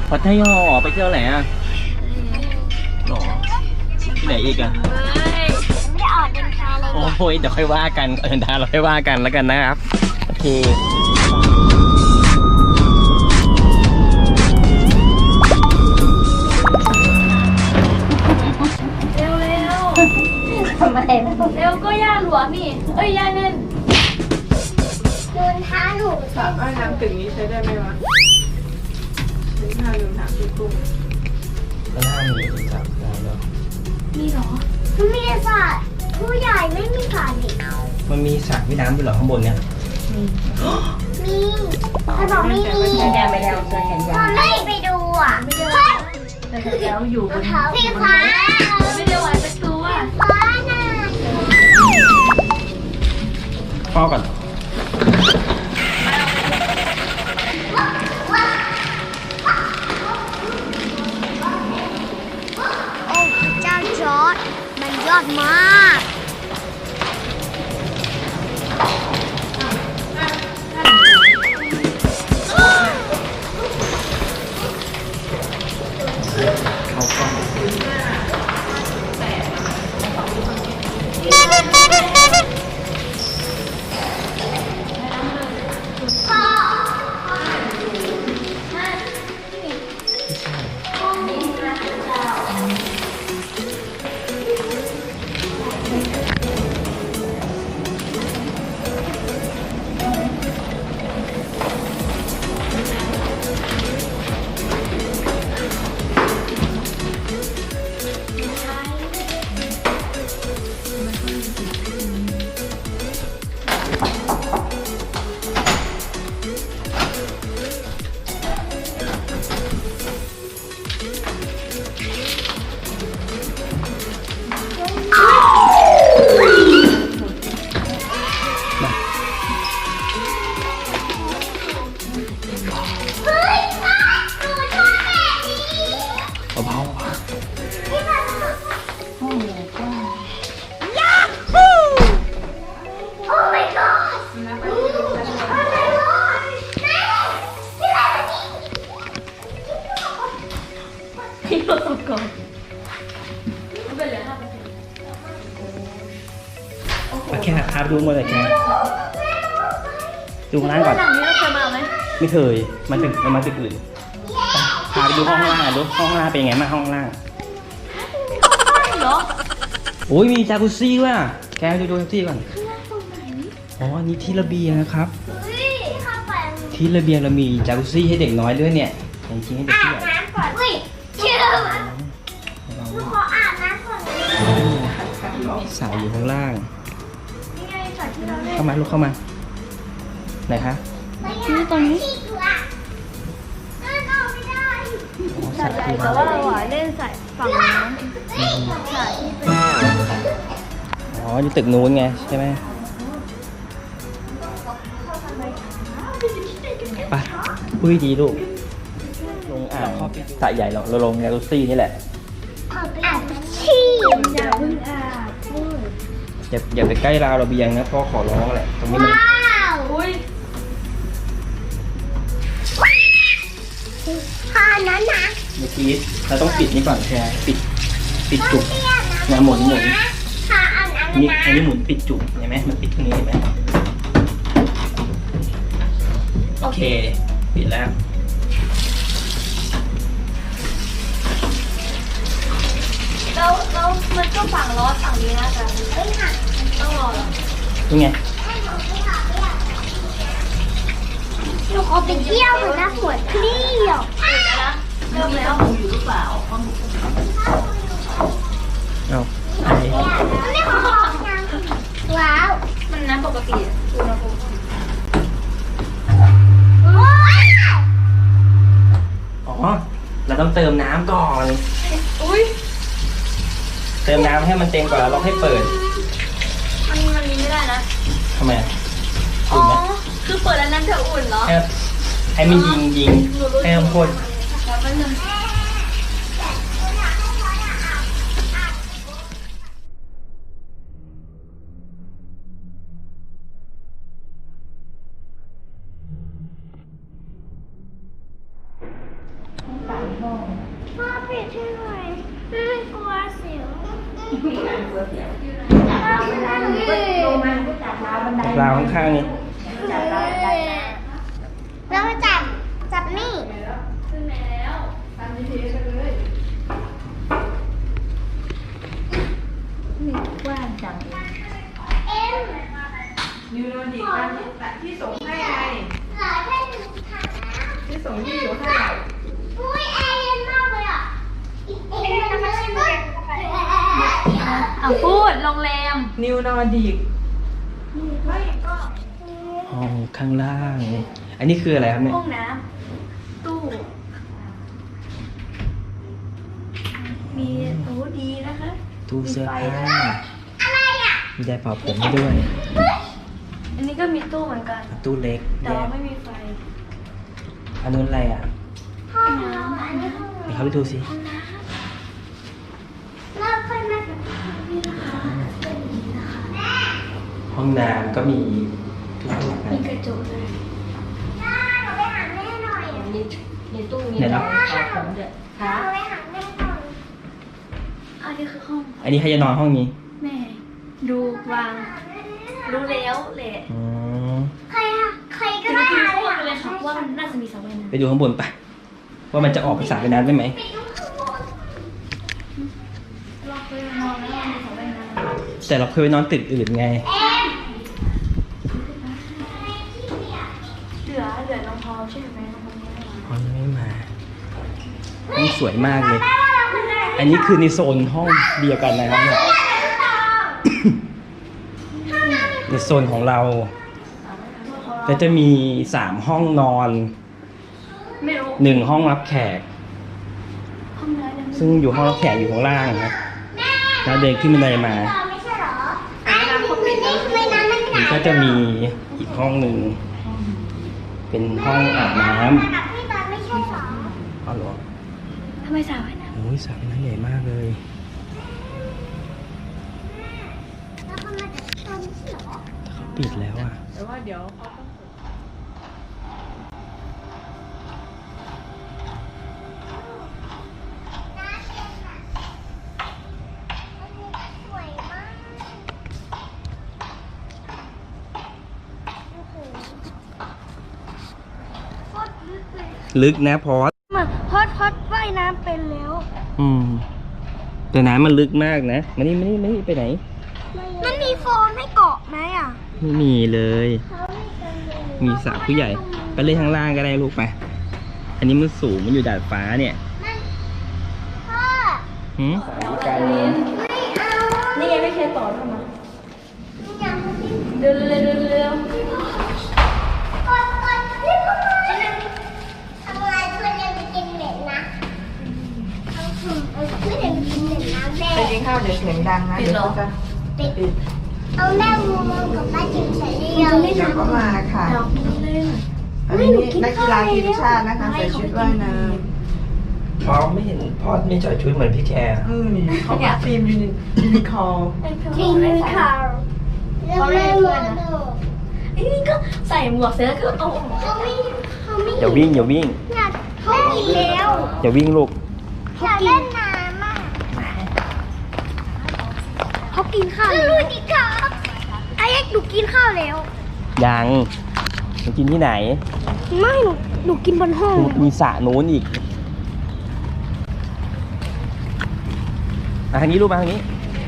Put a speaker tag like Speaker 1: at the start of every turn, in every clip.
Speaker 1: พัทยาไปเที่ยวไหนอ่ะหรอที่ไหนอีกอ่ะ
Speaker 2: ไม่ได้ออกเดินทางเลย
Speaker 1: โอ้ยเดี๋ยวค่อยว่ากันเดินทางเราค่อยว่ากันแล้วกันนะครับโอเค
Speaker 2: เร็วทำไมเร็วก็ย่าหลวมนี่เอ้ยย่าเน่นโดนท้าหนู
Speaker 3: สระว่ายน้ำตึกนี้ใช้ได้ไหมวะใช้ท่าลืมถามพี่กุ้ง
Speaker 1: ก็น่ามีจับได้แล้ว
Speaker 2: มีเหรอมันมีสระผู้ใหญ่ไม่มีสระเด็ก
Speaker 1: มันมีสระว่ายน้ำด้วยเหรอข้างบนเนี่ย
Speaker 2: มีถ้าบอกไม่มีแกไปแล้วเจอแขนยาวไม่ไปดูอ่ะไม่ได้แล้วอยู่บนสีฟ้าไม่ได้วางประตูอ่ะฟ้าน่ะ
Speaker 1: เฝ้าก่อน
Speaker 2: โอ้พระเจ้าจอร์จมันยอดมาก
Speaker 1: เข้าก่อน
Speaker 2: เฮ้ยฟ้าหนูชอบแบบนี้
Speaker 1: เบา
Speaker 2: ที่มันโอ้ยยาฮูโอ้ my god โอ้ my god นี่อะไรที่เราตกก่อนเป็นเหลือ5%
Speaker 1: โอเคพาไปดูหมดเลยแกดูข้างล่างก่อน
Speaker 2: หลังนี้เราเคยมาไหม
Speaker 1: ไม่เคยมันมาตึกอื่นพาไปดูห้องล่างดูห้องล่างเป็นไงบ้างห้องล่าง
Speaker 2: เหรอ
Speaker 1: โอ้ยมีจากุซี่ว่ะแกดูจากุซี่ก่อนอ๋อนี่ที่ระเบียงนะครับ
Speaker 2: เฮ้ยเข้าไป
Speaker 1: ที่ระเบียงเรามีจากุซี่ให้เด็กน้อยด้วยเนี่ยจริงๆให้เด็ก
Speaker 2: อา
Speaker 1: ผู้
Speaker 2: บ
Speaker 1: ใหญ่
Speaker 2: น้ำก่อนเฮ้ยเชื่อหนูขออาบน้ำก่อน
Speaker 1: สายอยู่ข้างล่าง
Speaker 2: นี่ไงสระที่เราเล่น
Speaker 1: เข้ามาลูกเข้ามาไหนคะ
Speaker 2: นี่ตรงนี้นั่นเอาไม่ได้
Speaker 1: อ๋อ
Speaker 2: สระ
Speaker 1: สาย
Speaker 2: ใหญ่
Speaker 1: ที่
Speaker 2: แต่ว่าเราอ่ะเล่นสระฝั่งนู้นสระที่เป็น
Speaker 1: อ๋ออยู่ตึกนู้นไงใช่ไหมไปคุยดีลูกลงอ่างสระใหญ่เราลงจากุซี่นี่แหละ
Speaker 2: อาบที่อย่าเพิ่งอาบพูด
Speaker 1: อย่าไปใกล้ราวระเบียงนะพ่อขอร้องแหละตรงนี้มัน
Speaker 2: ว้าวอุ้ยพานั้นนะ
Speaker 1: เมื่อกี้เราต้องปิดนี่ก่อนใช่ไหมปิดจุก
Speaker 2: เตี้ยนะ
Speaker 1: นะหมุน
Speaker 2: พาอันนั้น
Speaker 1: นี่
Speaker 2: นะ
Speaker 1: อันนี้หมุนปิดจุกเห็นไหมมันปิดตรงนี้เห็นไหมโอเคปิดแล้ว
Speaker 2: แล้วมันก็ฝั่งร้อนฝั่งนี้นะจ๊ะเฮ้ยค่ะต้องรอเหรอ
Speaker 1: นี่ไง
Speaker 2: หนูขอไปเที่ยวหนูนะปวดเที่ยวเริ่มแล้ว
Speaker 1: เอาไป
Speaker 2: ไม่ขอว้าวมันน้ำปกติอุณหภูมิว้าว
Speaker 1: อ๋อเราต้องเติมน้ำก่อน
Speaker 2: อุ้ย
Speaker 1: เติมน้ำให้มันเต็มก่อนแล้วเราให้เปิด
Speaker 2: มันนี้ไม่ได้นะ
Speaker 1: ทำไม
Speaker 2: อ๋
Speaker 1: อุ่
Speaker 2: อน
Speaker 1: ไหม
Speaker 2: คือเปิดแล้วน้ำจะอุ่นเหรอ
Speaker 1: ให้มันยิงให้มันพ่น
Speaker 2: แล้วก็นึงช่วยหน่อยกลัวเสียว
Speaker 3: ลงมาก็จับราวบันได
Speaker 1: ราวข้างๆนี่
Speaker 3: จับราวบันไดนะ
Speaker 2: เรามาจับนี่
Speaker 3: ขึ้นไหนแล้วตาม GPS ไปเลย
Speaker 2: กว้างจังเอ็ม
Speaker 3: นิวโนดิการที่ส่งให้ไง
Speaker 2: เหลือแค่หนึ่งขาแล้ว
Speaker 3: ที่ส่งที่อยู่ให้
Speaker 2: อุ้ยแอร์เย็นมากเลยอ่ะเอ็มมันเลยมาก
Speaker 4: เอาพูดโรงแรม
Speaker 3: นิวนอร์ดิกไม่ก็
Speaker 1: ห้องข้างล่างนี่อันนี้คืออะไรครับเนี่ย
Speaker 4: ห้องน้ำตู้ มีโอ้ดีนะคะ
Speaker 1: ตู้เสื้อผ้า
Speaker 2: อะไรอ่ะ
Speaker 1: มีไดร์เป่าผมให้ด้วย
Speaker 4: อันนี้ก็มีตู้เหมือนกัน
Speaker 1: ตู้เล็ก
Speaker 4: แต่
Speaker 1: แย
Speaker 4: ว่าก ไม่มีไฟ
Speaker 1: อันนู้นอะไรอ่ะ
Speaker 2: ห้องน้ำอันนี้ห้อง
Speaker 1: เดี๋ยวเขาไปดูสิ
Speaker 2: เราเคยมากับพี่นะคะ
Speaker 1: ห้องน้ำก็มีทุกห้อง
Speaker 4: มีกระจกด้วย
Speaker 2: ย่าหนูไปหาแม่หน่อยอ่ะ
Speaker 4: ในตู้มี
Speaker 1: เดี๋ยวนะ
Speaker 4: ของเด็ด
Speaker 2: หนูไปหาแม่หน่อย
Speaker 4: อันนี้คือห้อง
Speaker 1: อันนี้ใครจะนอนห้องนี้
Speaker 4: แม่ ดูวาง รู้แล้วแหละ
Speaker 1: อ๋อ
Speaker 2: ใครอะใครก็
Speaker 4: คือ
Speaker 2: ได้
Speaker 4: คือ
Speaker 2: อะ
Speaker 4: เข้าไปเลยค่ะว่ามันน่าจะมีสระว่ายน้
Speaker 1: ไปดูข้างบนไปว่ามันจะออกไปสระไปน้ำได้ไหม
Speaker 2: ไปดูข้างบน
Speaker 4: ำเราเคยนอนแล้วมันมีสระว่ายน้ำ
Speaker 1: แต่เราเคยไปนอนตึกอื่นไง
Speaker 2: เอ็ม
Speaker 4: เหลือน้องพอใช่ไหมน้องพอไม่ได้มา
Speaker 1: ห้องไม่มาห้องสวยมากเลย
Speaker 2: แม่ว่าเราคือไหน
Speaker 1: อันนี้คือในโซนห้องเดียวกันนะครับเนี่ย ในโซนของเราก็จะมี3ห้องนอน
Speaker 4: ไม่รู้
Speaker 1: 1ห้องรับแขก
Speaker 4: ห้องน้ำยัง
Speaker 1: ซึ่งอยู่ห้องรับแขกอยู่ข้างล่างนะแล้วเดินขึ้นบันไดมา
Speaker 2: ไม่ใช่เหรออ้าวน้ำเขาปิดแล้วทำไมน้ำมันห
Speaker 1: มัน
Speaker 2: นาว
Speaker 1: ก็จะมีอีกห้องหนึ่งเป็นห้องอาบน้
Speaker 2: ระดับพี่ตอนไม่ใช่เหรอ
Speaker 1: ำอ๋อเหรอ
Speaker 4: ทำไมสระว่ายน้
Speaker 1: โอ้ยสระน้ำใหญ่มากเลย
Speaker 2: แล้วเขามาจากตอนนี้เหรอ
Speaker 1: แต่เขาปิดแล้วอ่ะ
Speaker 3: แต่ว่าเดี๋ยวเขาต้อง
Speaker 2: น้ำเย็นอะอันนี้ก็สวยมากโอ้โหโคตรลึกเลย
Speaker 1: ลึกนะพอส
Speaker 2: มันพอดว่ายน้ำเป็นแล้ว
Speaker 1: แต่น้ำมันลึกมากนะมานี่ไปไหน
Speaker 2: มันมีโฟมให้เกาะไหมอ่ะ
Speaker 1: ไม่มีเลย
Speaker 2: เขาไม่กันเลย
Speaker 1: มีสระผู้ใหญ่ไปเล่นข้างล่างก็ได้ลูกไป อันนี้มันสูงมันอยู่ดาดฟ้าเนี่ย
Speaker 2: นั่นพ่อ
Speaker 1: หืมไกลเลย
Speaker 2: ไม่เอา
Speaker 4: ำนี่ไงไม่เคยต่อทำไม
Speaker 2: อยากมากิน
Speaker 4: เดินเร็วเดินเร็ว
Speaker 2: ก่อนรีบเข้ามาทำไมเพื่อนยังไปกินเหม็นนะเพื่อนยังกินเหม็นนะแม่
Speaker 3: ไปกินข้าวเดี๋ยวเสียงดังนะเดี๋ยวเขาจะ
Speaker 2: ปิดเอาแม่งูกับป้าจิ๋มใส่ได้ยัง
Speaker 3: เดี๋ยวก็มาค่ะ
Speaker 4: ดอกมันเล่น
Speaker 3: อันนี้นักกีฬาทีมชาตินะคะใส่ชุดว่ายน้
Speaker 1: พอไม่เห็นพอไม่ใส่ชุดเหมือนพี่แคร์
Speaker 3: ำเขาบอกทีมยูนิคอร์
Speaker 2: กินข้าวแล้วแม่งู
Speaker 4: ไอ้นี่ก็ใส่หมวกเสร็จแล้วก็เอาออก
Speaker 2: เขาไม่
Speaker 1: อย่าวิ่ง
Speaker 2: อยากเขากินแล้ว
Speaker 1: อย่าวิ่งลูก
Speaker 2: อยากเล่นน้ำอ่ะเขากินข้าวรู้ดิครับไอ้เอ็กหนูกินข้าวแล้ว
Speaker 1: ยังจะกินที่ไหน
Speaker 2: ไม่หนูกินบนห้อง
Speaker 1: มีสระนู้นอีกทางนี้ลูกมาทางนี้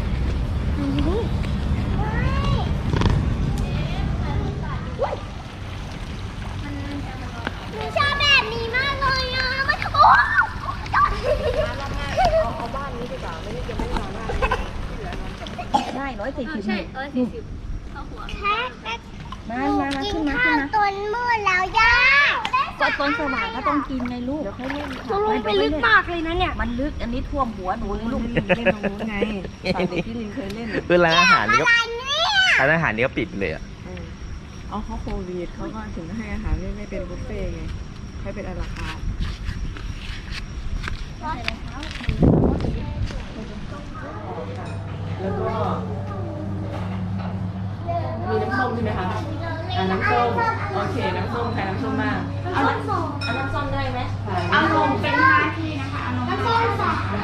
Speaker 2: หนูชอบแบบนี้มากเลยอ่ะมันโอ้
Speaker 4: ได้140ใช่140เข้าหัว
Speaker 2: แค่กินข้าวต้นมืดแล้วย่า
Speaker 4: ก็ต้นสว่างก็ต้องกินไงลูก
Speaker 2: หนูลงไปลึกมากเลยนะเนี่ย
Speaker 4: มันลึกอันนี้ท่วมหัวหนูเลยลูก
Speaker 3: เล่นตรงนู้นไงตอนเด็กที่ลินเคยเล่น
Speaker 1: คือร้านอาหารนี่ก็
Speaker 2: อะไรเนี่ย
Speaker 1: ร้านอาหารนี่ก็ปิดเลยอ่ะ
Speaker 3: เอาเขาโควิดเขาก็ถึงให้อาหารไม่เป็นบุฟเฟ่ต์ไงให้เป็นอาราคาร์ทแล้วก็มีน้ำส้มใช่ไหมคะน้ำส้มโอเคน้ำส้มใครน้ำส้มมาก
Speaker 4: เอาน้ำส้มได้ไหม
Speaker 3: เอาลง
Speaker 2: เป็นหน้าที่นะคะน้ำส้มสอง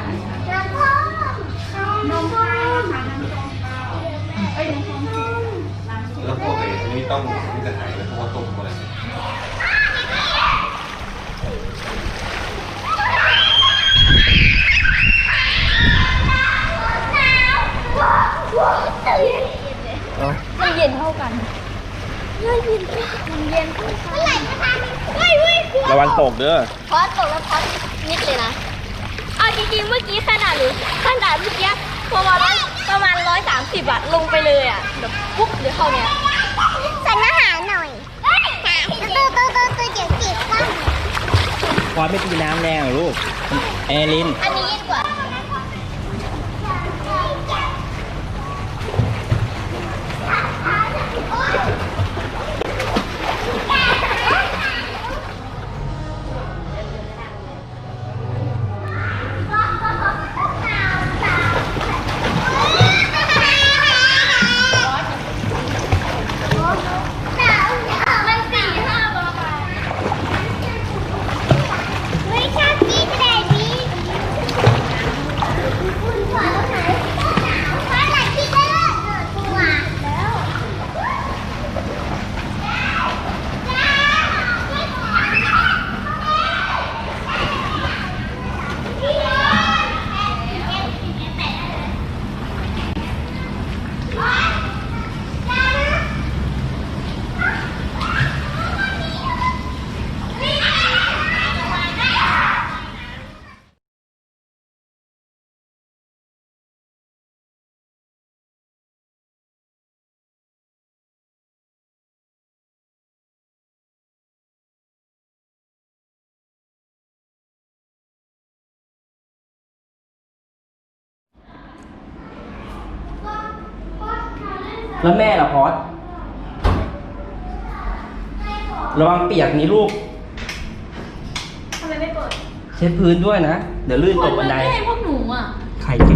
Speaker 1: วันตกเด้อ
Speaker 2: พอตกแล้วพอนิดเลยนะ เอาจริงๆเมื่อกี้ขนาดเมื่อกี้ประมาณ130อะลงไปเลยอะแบบปุ๊บเดี๋ยวเข้าเนี้ยสั่งอาหารหน่อยตัวเดี๋ยวจิบบ้าง
Speaker 1: พอไม่ตีน้ำแรงเหรอลูกแอลิน
Speaker 2: อันนี้ยิ่งกว่ามัน4-5 ประมาณไม่ชอบกินแบบนี้คุณขอแล้วไหนเพราะอะไรที่ได้ตัวแล้ว
Speaker 1: แล้วแม่ล่ะพอดระวังเปียกนี้ลูก
Speaker 4: ทำไมไม่เปิด
Speaker 1: เช็ดพื้นด้วยนะ เดี๋ยวลื่นตกบันได
Speaker 4: ไม่ให้พวกหนูอ่ะ
Speaker 1: ใครเจอ